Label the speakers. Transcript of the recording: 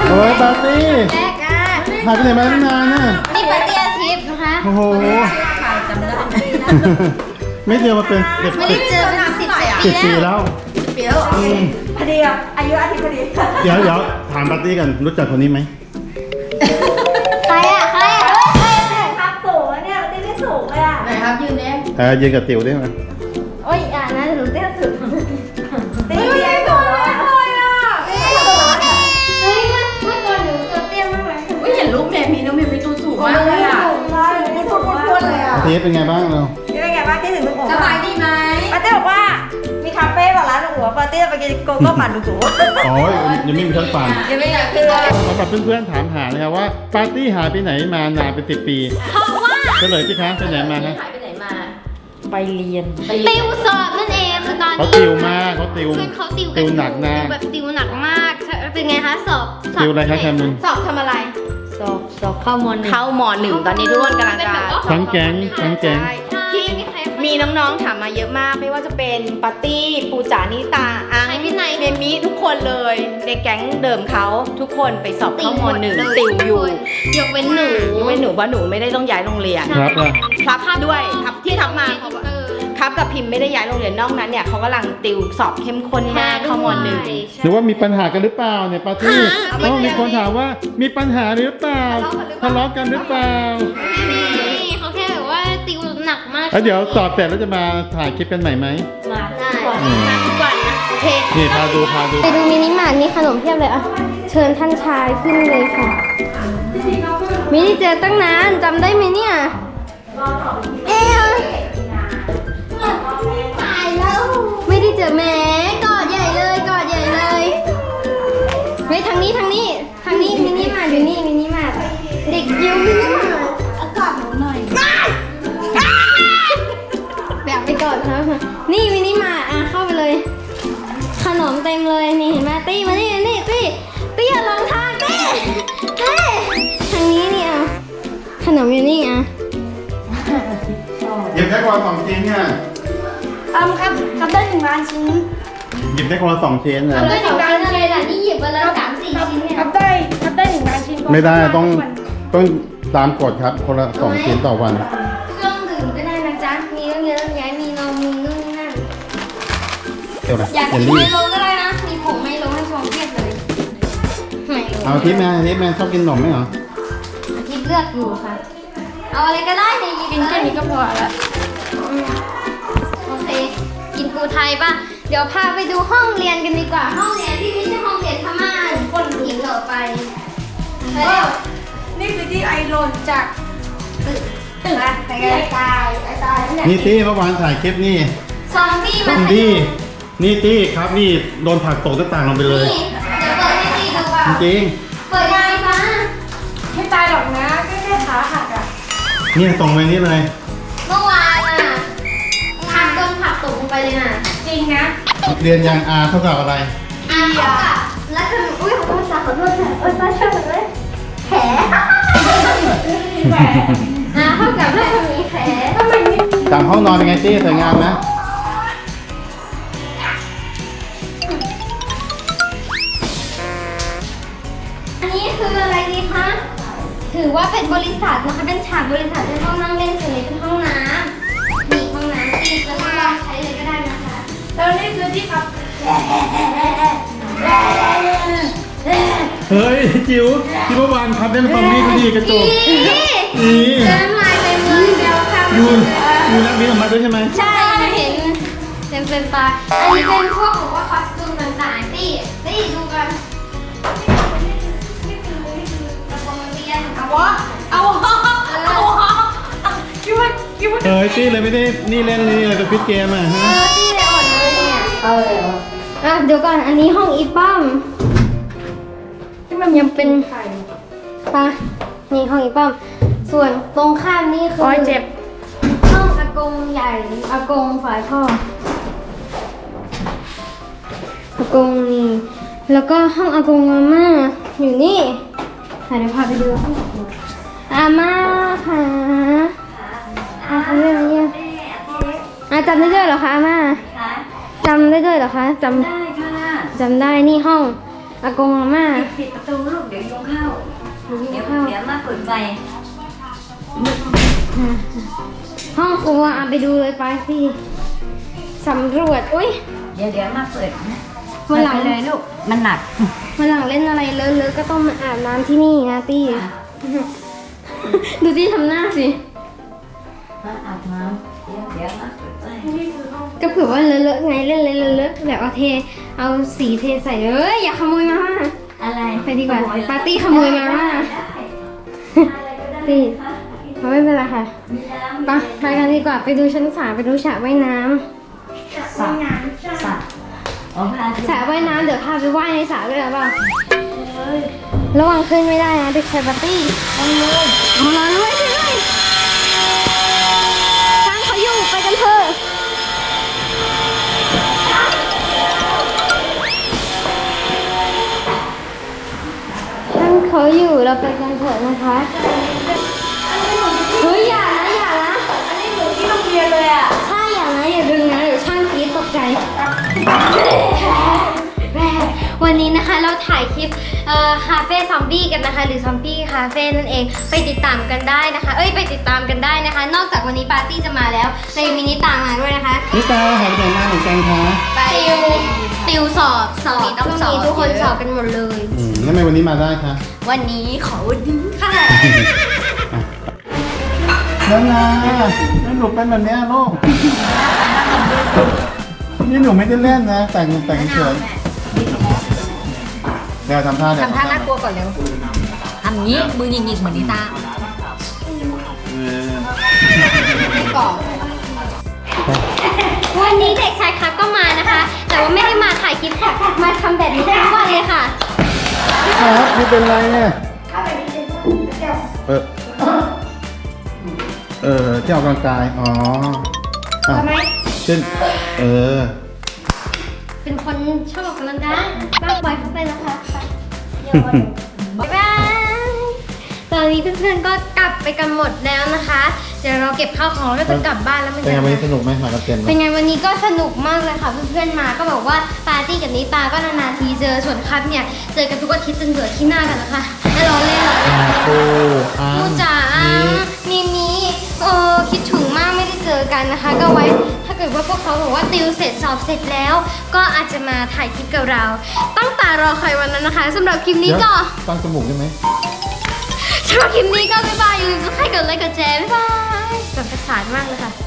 Speaker 1: โอ้ยปาร์ตี้
Speaker 2: แรกอ่ะ
Speaker 1: หายไปไหนมาตั้งนานน่ะ
Speaker 2: นี่ปาร์ตี้อาทิตย์นะคะ
Speaker 1: โอ้โหไม่เจอมาเป็นเด็ก
Speaker 2: ไม่ได้เจอเป็น10
Speaker 1: 10 ปี
Speaker 2: ปีแล้ว
Speaker 1: แล้ว
Speaker 3: พอดีอ่ะอายุอาทิตย์พอดี
Speaker 1: เดี๋ยวถามปาร์ตี้กันรู้จักคนนี้ไหม
Speaker 2: ใครอ่ะใครอ่ะ
Speaker 3: ครับสูงอะเนี่ยตีไม่สูงเลยอ่ะ
Speaker 2: ไหนครับยืนเนี้ย
Speaker 1: ยืนกับติ๋วได้ไหม
Speaker 2: โอ้ยอ่ะนะหนูเต้นสุด
Speaker 3: ตีไม่สูงเลยอ่ะ
Speaker 2: เฮ้ยเมื่อก่อนหนูตัวเตี้ยมากเลย
Speaker 4: อุ้ยเห็นรูปเมมีน้องเมมีตัวสูงมากเลยอ่ะ
Speaker 3: สูงเลยพูดเลยอ่ะ
Speaker 1: อาทิตย์เป็นไงบ้างเรา
Speaker 3: นี่เป็นไงบ้างที่ถึงลูกโป่ง
Speaker 4: สบายดีไหม
Speaker 3: ปาเต้บอกว่ามีคาเฟ่บอกร้านลูกหัวปาเต้ไปกินโกโก้ปั่นลูกหัว
Speaker 1: อ๋อยังไม่มีชั้นฟัง
Speaker 3: ยังไม่อยากคือ
Speaker 1: สำหรับเพื่อนๆถามหานะครับว่าปาร์ตี้หายไปไหนมานานเป็น10 ปี
Speaker 2: เพราะว่า
Speaker 1: เฉลยสิคะไปไหนมาคะ
Speaker 4: หายไปไหนมา
Speaker 3: ไปเรียน
Speaker 2: ติวสอบนั่นเองคือตอน
Speaker 1: เขา
Speaker 2: นี้
Speaker 1: ติวมากเขาติว
Speaker 2: เพื่อนเขาติว
Speaker 1: ติวหนักนะ
Speaker 2: ติวแบบติวหนักมากเป็นไงคะสอบ
Speaker 1: ติวอะไรคะแคมุน
Speaker 2: สอบทำอะไร
Speaker 3: สอบเข้ามหนึ่ง
Speaker 4: เข้ามหนึ่งตอนนี้ทุกคนกำลัง
Speaker 2: เป็น
Speaker 4: จะ
Speaker 2: แบบว่า
Speaker 1: ทั้งแก๊งทั้งแก๊ง
Speaker 4: ที่
Speaker 2: มีใคร
Speaker 4: มีน้องๆถามมาเยอะมากไม่ว่าจะเป็นปาร์ตี้ปูจานิตาอัง
Speaker 2: ใครที่ไหน
Speaker 4: เมมิทุกคนเลยในแก๊งเดิมเขาทุกคนไปสอบเข้ามหนึ่งติวอยู่
Speaker 2: ยกเว้นหนู
Speaker 4: ยกเว้นหนูว่าหนูไม่ได้ต้องย้ายโรงเรียน
Speaker 1: ครับอ่ะ
Speaker 4: ครับด้วยครับที่ทับมาเพราะว่าครับกับพิมพ์ไม่ได้ย้ายโรงเรียนนอกนั้นเนี่ยเขากำลังติวสอบเข้มข้นมากเข้ามหนึ่ง
Speaker 1: หรือว่ามีปัญหากันหรือเปล่าเนี่ยปาร์ตี้เพราะว่ามีคนถามว่ามีปัญหาหรือเปล่าทะเลาะกันหรือเปล่า
Speaker 2: นี่เขาแค่แบบว่าติวหนักมาก
Speaker 1: แล้วเดี๋ยวสอบเสร็จแล้วจะมาถ่ายคลิปกันใหม่ไหม
Speaker 2: มาได้มาทุกวันนะโอเค
Speaker 1: นี่พาดู
Speaker 2: ไปดูมินิมาร์ทมีขนมเพียบเลยอ่ะเชิญท่านชายขึ้นเลยค่ะไม่ได้เจอตั้งนานจำได้ไหมเนี่ยเอ๊ะตายแล้วไม่ได้เจอแหม่กอดใหญ่เลยกอดใหญ่เลยเฮ้ยทางนี้มินิมาร์ทอยู่นี่มินิมาร์ทเด็กยิวมินิมาร์ทเอากอดหนูหน่อยแบบไปก่อนครับนี่มินิมาร์ทอ่ะเข้าไปเลย ขนมเต็มเลยนี่เห็นไหมตี้มานี่ตี้อย่าลงทางตี้ทางนี้นี่อ่ะขนมอยู่นี่อ่ะ
Speaker 1: หยิบได้คนละ2 ชิ้นเนี่ย
Speaker 3: ครับได้1 ล้านชิ้น
Speaker 1: หยิบได้คนละ2 ชิ้นนะ
Speaker 2: เอาเลย2 ชิ้นอะไรล่ะนี่หยิบไปเลย3-4 ชิ้นเนี่ย
Speaker 3: ครับได้1 ล้านชิ้น
Speaker 1: ไม่ได้ต้องตามกฎครับคนละ2 ชิ้นต่อวัน
Speaker 2: เครื่องดื่มก็ได้นะจ๊ะมีเรื่องเยอะเรื่องแยะมีนมมีนู่นนี่นั่น
Speaker 1: เดี๋ยวนะ
Speaker 2: อยาก
Speaker 1: เย
Speaker 2: กิ
Speaker 1: ล
Speaker 2: นไม
Speaker 1: ลี่
Speaker 2: โลก็ได้นะมีผงไมโลให้ชงเพียบเลยไมโล
Speaker 1: เอาทิพย์แม่ชอบกินขนมไหมเหรอ
Speaker 2: ทิพย์เลือกอยู่ค่ะเอาอะไรก็ได้ในหยิบ
Speaker 4: กินแค่นี้ก็พอแล้ว
Speaker 2: โอเคกินปูไทยป่ะเดี๋ยวพาไปดูห้องเรียนกันดีกว่าห้องเรียนที่ไม่ใช่ห้องเรียนพม่าคนอีกต่อไปเร็ว
Speaker 3: นี่คือที่ไอโรนจากตึกนะไปกันตาย
Speaker 1: นี่ตี้เมื่อวานถ่ายคลิปนี่
Speaker 2: ซอมบี้
Speaker 1: ต้
Speaker 2: มา
Speaker 1: องดีนี่ตี้ครับนี่โดนผลักตกหน้าต่างลงไปเลย
Speaker 2: นี่เดี๋ยวเปิดให้ดีดูเปล่า
Speaker 1: จริง
Speaker 2: เปิดยังไงฟ้า
Speaker 3: ไม่ตายหรอกนะแค่ขาหักอ่ะ
Speaker 1: ๆเนี่ยส่งไปนี่เลย
Speaker 2: เมื่อวานอ่ะทางต้นผักตกลงไปเลยน่ะ
Speaker 3: จริงนะ
Speaker 1: เรียนยังอาเท่ากับอะไร
Speaker 2: อ่านเขากับแล้วจะอุ้ยขอโทษค่ะขอโทษค่ะเอ้ยป้าช่วยหน่อยเลยแผลเท่ากับถ้าจะมีแผล
Speaker 1: จำห้องนอนเป็นไงตี้สวยงามไหม
Speaker 2: อันนี้คืออะไรดีคะ ถือว่าเป็นบริษัทนะคะ เป็นฉากบริษัทเป็นห้องนั่งเล่นส่วนนี้เป็นห้องน้ำมีห้องน้ำที่จะทดลองใช้เลยก็ได้นะคะ
Speaker 3: แล้วนี่คือที่พัก
Speaker 1: เฮ้ยจิ๋วที่เมื่อวานครับเล่นซอมบี้ก็ดีกระจกนี่
Speaker 2: เดินมาเต็มเลยเดียวค่ะ
Speaker 1: ยูนักบินออกมาด้วยใช่ไหม
Speaker 2: ใช่เห็นเต็มตาอันนี้เป็นพวกแบบว่าคอสตูมต่างๆที่ดูกันนี่คือกระโปรงนักเรียนเอาวะ
Speaker 3: คิดว่า
Speaker 1: เฮ้ยตี้เลยไม่ได้นี่เล่นนี่เลยเป็นฟิตเกมอ่ะฮะ
Speaker 2: ที่เลยอ่อนเลยเนี่ยอ่ะเดี๋ยวก่อนอันนี้ห้องอีป้อมที่มันยังเป็นปะนี่ห้องอีป้อมส่วนตรงข้ามนี่คือ
Speaker 3: โอ้ยเจ็บ
Speaker 2: ห้องอากงใหญ่อากงฝ่ายพ่ออากงนี่แล้วก็ห้องอากงอาม่าอยู่นี่เดี๋ยวพาไปดูห้องอาม่าค่ะอาเรื่องนี้จำได้ด้วยเหรอคะอาม่าจำได้ด้วยเหรอคะจำได้นี่ห้องอากงอาม่า
Speaker 3: ปิดประตูลูกเดี๋ยวยุงเข้า
Speaker 2: เดี๋ยว
Speaker 3: เดี๋ยวมาเปิดไฟ
Speaker 2: ห้องครัวเอาไปดูเลยไปที่สำรวจอุ้ย
Speaker 3: เดี๋ยวมาเปิดนะ
Speaker 2: วันหลัง
Speaker 3: ไปเลยลูกมันหนัก
Speaker 2: วันหลังเล่นอะไรเลอะๆก็ต้องมาอาบน้ำที่นี่นะตี้ ดูตี้ทำหน้าสิ
Speaker 3: มาอาบน้ำเดี๋ยวมาเปิดไฟ
Speaker 2: ก็เผื่อว่าเลอะๆไงเล่นเลอะๆแบบเอาสีเทใส่อย่าขโมยมา
Speaker 3: อะไร
Speaker 2: ไปดีกว่าปาร์ตี้ขโมยมาตี้ไม่เป็นไรค่ะไปกันดีกว่าไปดูชั้น3ไปดูสระว่ายน้ำ
Speaker 3: สระอ๋อพระอาทิตย์
Speaker 2: สระว่ายน้ำเดี๋ยวพาไปว่ายในสระด้วยหรือเปล่าระวังขึ้นไม่ได้นะเด็กชายปาร์ตี้เอาเลยด้วยช่างเขาอยู่ไปกันเถอะช่างเขาอยู่เราไปกันเถอะนะคะเฮ้ยอย่านะ
Speaker 3: อันนี้เหมือนที่โรงเรียนเลยอ่ะ
Speaker 2: ใช่อย่านะอย่าดึงนะเดี๋ยวช่างกรี๊ดตกใจวันนี้นะคะเราถ่ายคลิปคาเฟ่ซอมบี้กันนะคะหรือซอมบี้คาเฟ่นั่นเองไปติดตามกันได้นะคะไปติดตามกันได้นะคะ นอกจากวันนี้ปาร์ตี้จะมาแล้วเรายังมีนิตามาด้วยนะคะ
Speaker 1: นิตาหายไปไหนมาเหมือนกันคะ
Speaker 2: ไปติวสอบช่วงนี้ทุกคนสอบกันหมดเลย
Speaker 1: แล้วทำไมวันนี้มาได้คะ
Speaker 2: วันนี้ขอวันนี้ค่ะ
Speaker 1: แล้วนะแล้วหนูเป็นแบบเนี้ยลูกนี่หนูไม่ได้เล่นนะแต่งเฉยเดี๋ยวทำท่า
Speaker 3: ทำท่าน่ากลัวก่อนเร็วทำงี้มือหยิกๆเหมือนนิตา
Speaker 2: ก่อนวันนี้เด็กชายครับก็มานะคะ แต่ว่าไม่ได้มาถ่ายคลิปค่ะมาทำแบบนี้ทั้งวันเลยค่ะ
Speaker 1: ครับนี่เป็นไรเนี่ยที่ออกกำลังกายอ๋อ
Speaker 2: ทำไม
Speaker 1: เช่น
Speaker 2: เป็นคนชอบออกกำลังกายก็ปล่อยเขาไปนะคะบ๊ายบายตอนนี้เพื่อนๆก็กลับไปกันหมดแล้วนะคะ เดี๋ยวเราเก็บข้าวของแล้วก็จะกลับบ้านแล้วมัน
Speaker 1: เป็นไงวันนี้สนุกไหมหากับเต็ม
Speaker 2: เป็นไงวันนี้ก็สนุกมากเลยค่ะเพื่อนๆมาก็บอกว่าปาร์ตี้กับนิตาก็นานๆทีเจอส่วนครับเนี่ยเจอกันทุกอาทิตย์จนเบื่อขี้หน้ากันนะคะแล้วเราเล่นเหรอ มูจ๋ามีคิดถึงมากไม่ได้เจอกันนะคะ ก็ไว้ถ้าเกิดว่าพวกเขาบอกว่าติวเสร็จสอบเสร็จแล้ว ก็อาจจะมาถ่ายคลิปกับเราตั้งตารอคอยวันนั้นนะคะสำหรับคลิปนี้ก็
Speaker 1: ตั้งจมูกได้ไหม
Speaker 2: สำหรับคลิปนี้ก็บ๊ายบายอย่าลืมกดไลค์กดแชร์บ๊ายบายสนุกสนานมากเลยค่ะ